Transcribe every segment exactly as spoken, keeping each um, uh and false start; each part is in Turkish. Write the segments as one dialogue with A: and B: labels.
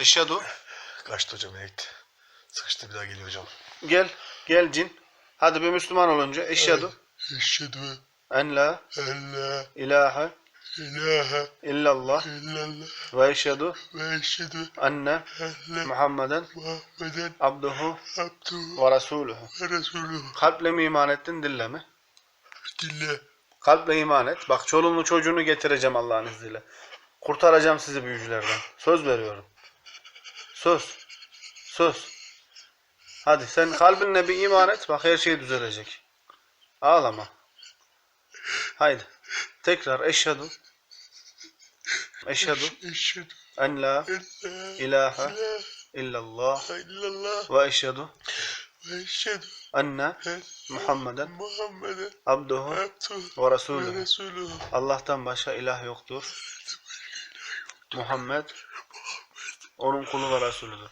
A: Eşhedü.
B: Kaçtı hocam evet. Sıkıştı bir daha geliyor hocam.
A: Gel. Gel cin. Hadi bir Müslüman olunca. Eşhedü.
B: Eşhedü
A: En la
B: en la
A: ilahe
B: ilahe
A: illallah
B: illallah
A: ve eşhedü
B: ve eşhedü
A: enne
B: enne
A: Muhammeden
B: Muhammeden
A: abduhu
B: abduhu
A: ve resuluhu.
B: ve resuluhu.
A: Kalple mi iman ettin, dille mi?
B: Dille.
A: Kalple iman et. Bak çoluğunu çocuğunu getireceğim Allah'ın izniyle. Kurtaracağım sizi büyücülerden. Söz veriyorum. Söz. Söz. Hadi sen kalbinle bir iman et. Bak her şey düzelecek. Ağlama. Haydi. Tekrar eşhedü. Eşhedü
B: Eşhedü
A: en la
B: en la
A: ilahe
B: ilahe
A: illallah
B: illallah
A: ve eşhedü
B: ve eşhedü
A: enne
B: enne
A: Muhammeden
B: Muhammeden
A: abduhu
B: abduhu
A: ve
B: ve
A: resuluhu.
B: resuluhu.
A: Allah'tan başka ilah yoktur. Muhammed onun kulu ve Resulüdür.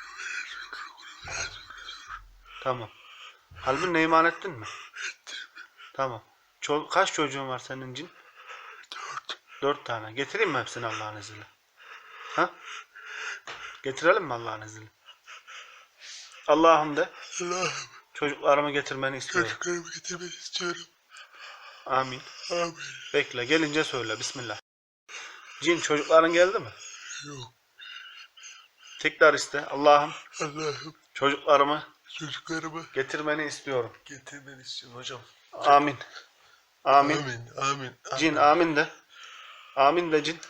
A: Tamam. Kalbinle iman ettin mi? Tamam. Ço kaç çocuğun var senin cin?
B: Dört.
A: Dört tane. Getireyim mi hepsini Allah'ın izniyle? Ha? Getirelim mi Allah'ın izniyle? Allah'ım de.
B: Allah'ım
A: Çocuklarımı getirmeni istiyorum.
B: çocuklarımı getirmeni istiyorum.
A: Amin.
B: Amin.
A: Bekle. Gelince söyle. Bismillah. Cin çocukların geldi mi?
B: Yok.
A: Tekrar iste. Allah'ım
B: Allah'ım
A: çocuklarımı
B: çocuklarımı
A: getirmeni istiyorum.
B: getirmeni istiyorum hocam.
A: Amin. Amin.
B: Amin. Amin.
A: Cin amin de. Amin de cin.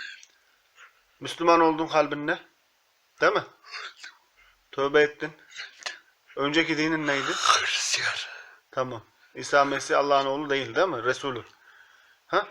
A: Müslüman oldun kalbinle. Değil mi? Tövbe ettin. Önceki dinin neydi?
B: Hristiyan.
A: Tamam. İsa Mesih Allah'ın oğlu değil, değil mi? Resulü. Ha?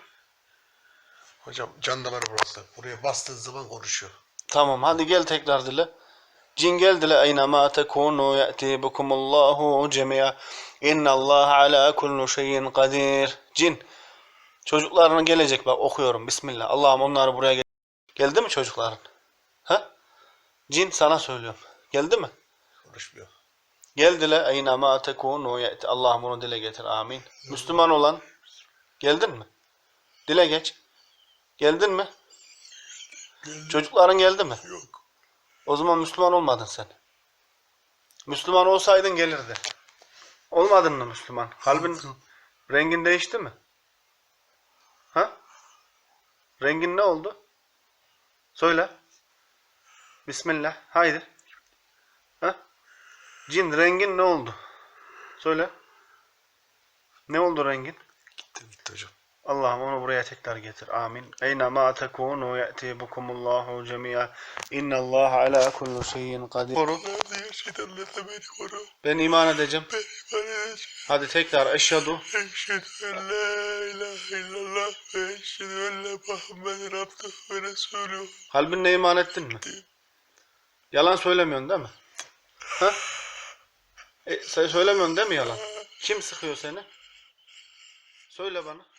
B: Hocam can damarı burası. Buraya bastığı zaman konuşuyor.
A: Tamam. Hadi gel tekrar dile. Cin gel dile. Eynema tekunu ye'ti bikumullahu cemi'a. İnnallâhe alâ kullu şeyin kadir. Cin. Çocuklarına gelecek bak okuyorum. Bismillah. Allah'ım onları buraya gel. Geldi mi çocukların? Ha? Cin sana söylüyorum. Geldi mi?
B: Konuşmuyor.
A: Gel dile. Eynema tekunu ye'ti. Allah'ım onu dile getir. Amin. Müslüman olan. Geldin mi? Dile geç. Geldin mi?
B: Geldi.
A: Çocukların geldi mi?
B: Yok.
A: O zaman Müslüman olmadın sen. Müslüman olsaydın gelirdi. Olmadın mı Müslüman? Kalbin rengin değişti mi? Ha? Rengin ne oldu? Söyle. Bismillah. Haydi. Ha? Cin rengin ne oldu? Söyle. Ne oldu rengin?
B: Gitti gitti hocam.
A: Allah'ım onu buraya tekrar getir. Amin. Eynema tekunu ye'ti bikumullahu cemi'a. İnnallâhe alâ kullu şeyin kadir. Koru.
B: Nerede yaşayanlarla beni koru.
A: Ben iman edeceğim.
B: Beni bana edeceğim.
A: Hadi tekrar eşhedü.
B: Eşhedü en la ilahe illallah ve eşhedü enne Muhammeden abduhu ve resuluhu.
A: Kalbinle iman ettin mi? Yalan söylemiyorsun değil mi? Ha? E, sen söylemiyorsun değil mi yalan? Kim sıkıyor seni? Söyle bana.